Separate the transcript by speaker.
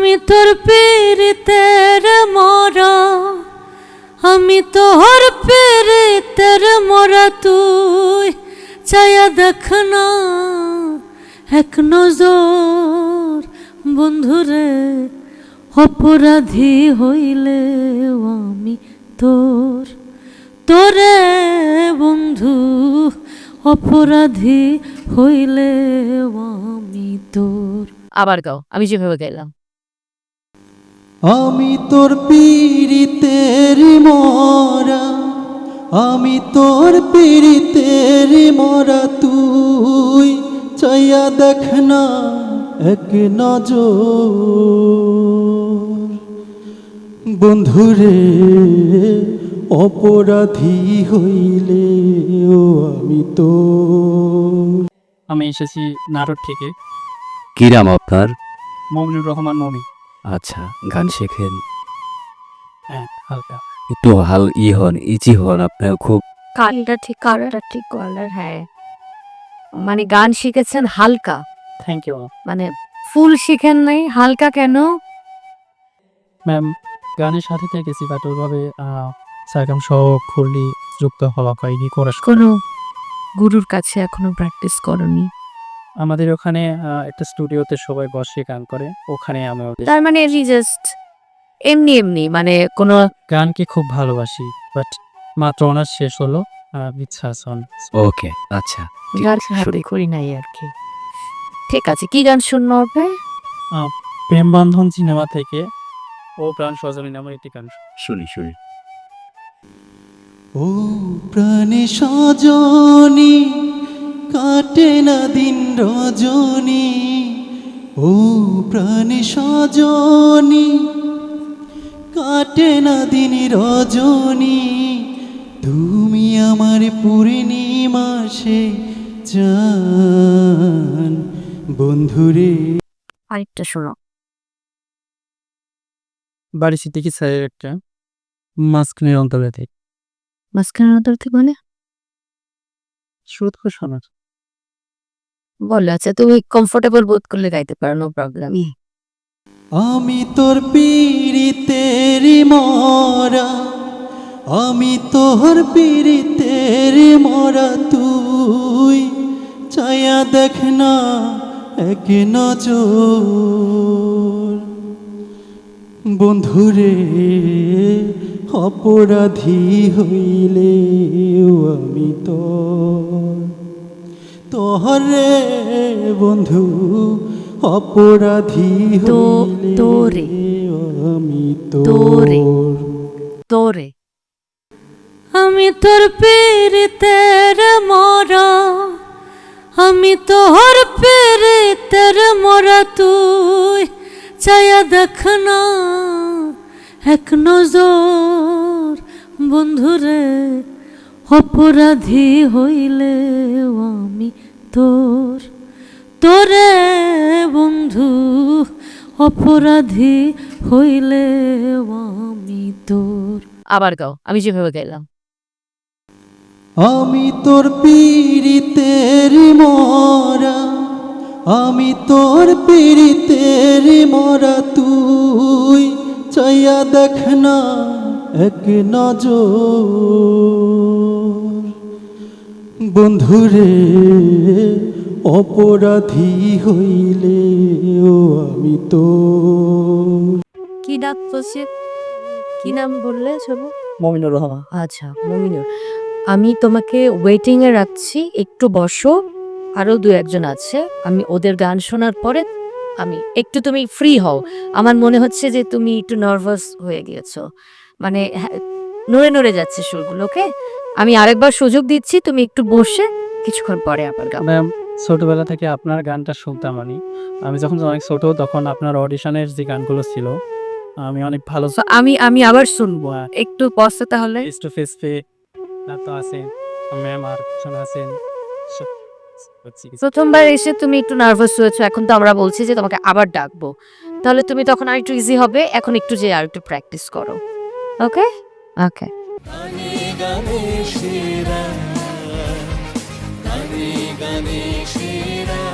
Speaker 1: আমি তোর পীড়িতের মরা, আমি তোর পীড়িতের মরা, তুই চায়া দেখ না এক নজর। বন্ধুরে অপরাধী হইলে আমি তোর, তোরে বন্ধু অপরাধী হইলে আমি তোর। আবার গাও, আমি যেভাবে গাইলাম।
Speaker 2: আমি তোর পীড়িতের মরা, আমি তোর পীড়িতের মরা, তুই চাইয়া দেখ না এক নজর। বন্ধুরে অপরাধী হইলে আমি তোর।
Speaker 3: আমি এসেছি নাটোর থেকে।
Speaker 4: কি নাম আপনার?
Speaker 3: মমিনুর রহমান মমি।
Speaker 4: আচ্ছা, গান শেখেন?
Speaker 3: হ্যাঁ, হালকা।
Speaker 4: একটু হন, ইজি হন, আপনার খুব
Speaker 1: কালটা ঠিক কলার। হ্যাঁ, মানে গান শিখেছেন হালকা,
Speaker 3: থ্যাংক ইউ
Speaker 1: মানে ফুল শিখেন নাই, হালকা কেন?
Speaker 3: ম্যাম। গানের সাথে থেকেছি বাট ওইভাবে সারগাম সহ খুললি যুক্ত হওয়া হয়নি করা।
Speaker 1: কোনো গুরুর কাছে এখনো প্র্যাকটিস করনি?
Speaker 3: আমাদের ওখানে একটা স্টুডিওতে সবাই বসে গান করে, ওখানে আমি
Speaker 1: তার মানে জাস্ট এমনি মানে কোনো
Speaker 3: গানকে খুব ভালোবাসি, বাট মাত্র অনার্স শেষ হলো, ইচ্ছা আছে।
Speaker 4: ওকে। আচ্ছা,
Speaker 1: গান হাতে করি নাই আর কি। ঠিক আছে, কি গান শুনবো হবে?
Speaker 3: প্রেম বন্ধন সিনেমা থেকে ও প্রাণ সজনী নামের একটি গান
Speaker 4: শুনি।
Speaker 2: ও প্রাণে সজনী, কাটে না দিন রজনী। ও প্রাণে সজনী, কাটে না দিন রজনী। তুমি আমার পূর্ণিমাসে জান। বন্ধুরে
Speaker 1: আরেকটা শোনো।
Speaker 3: বাড়ি সিদ্দিকী স্যারের একটা মাঝখানের অন্তরে থেকে
Speaker 1: মাঝখানের অন্তর থেকে মানে
Speaker 3: শুরু থেকে শোনার।
Speaker 1: বলো। আচ্ছা, তুমি কমফোর্টেবল বোধ করলে গাইতে পারো, নো প্রবলেম।
Speaker 2: আমি তোর পীড়িতের মরা, আমি তোর পীড়িতের মরা, তুই চায়া দেখ না এক নজর। বন্ধুরে অপরাধী হইলে আমি তোর, তোরে বন্ধু অপরাধী হইলে
Speaker 1: তোরে
Speaker 2: আমি
Speaker 1: তোরে
Speaker 2: তোর।
Speaker 1: তোরে আমি তোর পীড়িতের মরা, আমি তোর পীড়িতের মরা, তুই চায়া দেখ না এক নজর। বন্ধুরে অপরাধী হইলে আমি তোর, তোরে বন্ধু অপরাধী হইলে আমি তোর। আবার গাও, আমি যেভাবে গাইলাম।
Speaker 2: আমি তোর পীড়িতের মরা, আমি তোর পীড়িতের মরা, তুই চাইয়া দেখ না এক নজর। বন্ধুরে অপরাধী হইলে আমি তোর।
Speaker 1: কি ডাক বলছে, কি নাম বললে সব?
Speaker 3: মমিনুর রহমান।
Speaker 1: আচ্ছা, মমিনুর। আমি তোমাকে ওয়েটিং এ রাখছি, একটু বসো। আরো দু একজন আছে, আমি ওদের গান শোনার পরে আমি একটু, তুমি ফ্রি হও। আমার মনে হচ্ছে যে তুমি একটু নার্ভাস হয়ে গিয়েছো, মানে নড়ে নড়ে যাচ্ছে সুরগুলো। ওকে, আমি আরেকবার সুযোগ দিচ্ছি, তুমি একটু বসে কিছুক্ষণ পরে আবার গাও।
Speaker 3: ম্যাম, ছোটবেলা থেকে আপনার গানটা শুনতাম। আমি যখন অনেক ছোট, তখন আপনার অডিশনের যে গানগুলো ছিল আমি অনেক ভালো।
Speaker 1: So, আমি আবার শুনবো, একটু বসে তাহলে।
Speaker 3: ফেস টু ফেস পে তো আছেন ম্যাম, আর শোনা আছেন।
Speaker 1: প্রথমবার এসে তুমি একটু নার্ভাস হয়েছো, এখন তো আমরা বলছি যে তোমাকে আবার ডাকবো, তাহলে তুমি তখন আর একটু ইজি হবে। এখন একটু যে আর একটু প্র্যাকটিস করো। ওকে ওকে।
Speaker 2: গানে গানে সেরা, গানে গানে সেরা।